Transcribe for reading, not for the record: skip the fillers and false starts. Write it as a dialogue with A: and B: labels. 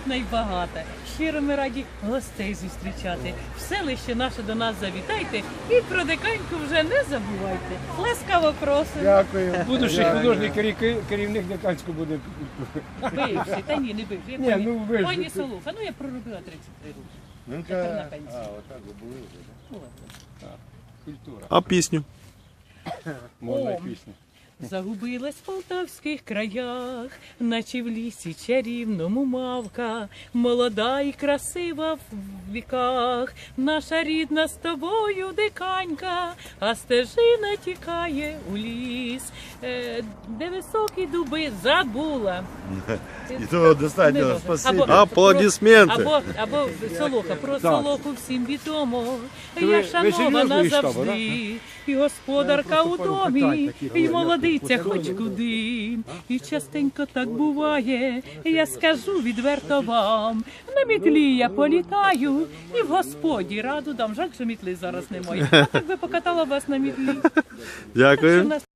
A: Вагітна і багата. Щиро ми раді гостей зустрічати. В селище наше до нас завітайте і про диканьку вже не забувайте. Ласкаво просимо.
B: Дякую.
C: Будущий художник, керівник Диканського буде.
A: Бивший, та ні, не бивший.
C: Ні, ну ви ж-
A: Пані Солуха, ну я проробила 33 роки.
B: Ну,
A: Тепер на пенсії.
B: отак ви були вже, так?
A: Була.
C: Культура.
D: А пісню?
C: Можна
A: О.
C: і пісню.
A: Загубилась в полтавських краях, наче в лісі чарівному мавка, молода і красива в віках, наша рідна з тобою диканька, а стежина тікає у ліс, де високі дуби забула.
B: І того достатньо,
A: Або-
B: спасибі.
D: Аплодисменти.
A: Або Солоха, про
C: Так.
A: Солоху всім відомо.
C: ви-
A: Я
C: ви
A: шанована
C: серйозно із штабу,
A: завжди, і господарка у домі, і молодиця хоч куди. І частенько так буває, я скажу відверто вам. На мітлі я політаю, і в господі раду дам. Жаль, що мітли зараз немає. А так би покатала вас на мітлі.
D: Дякую.
A: Що в нас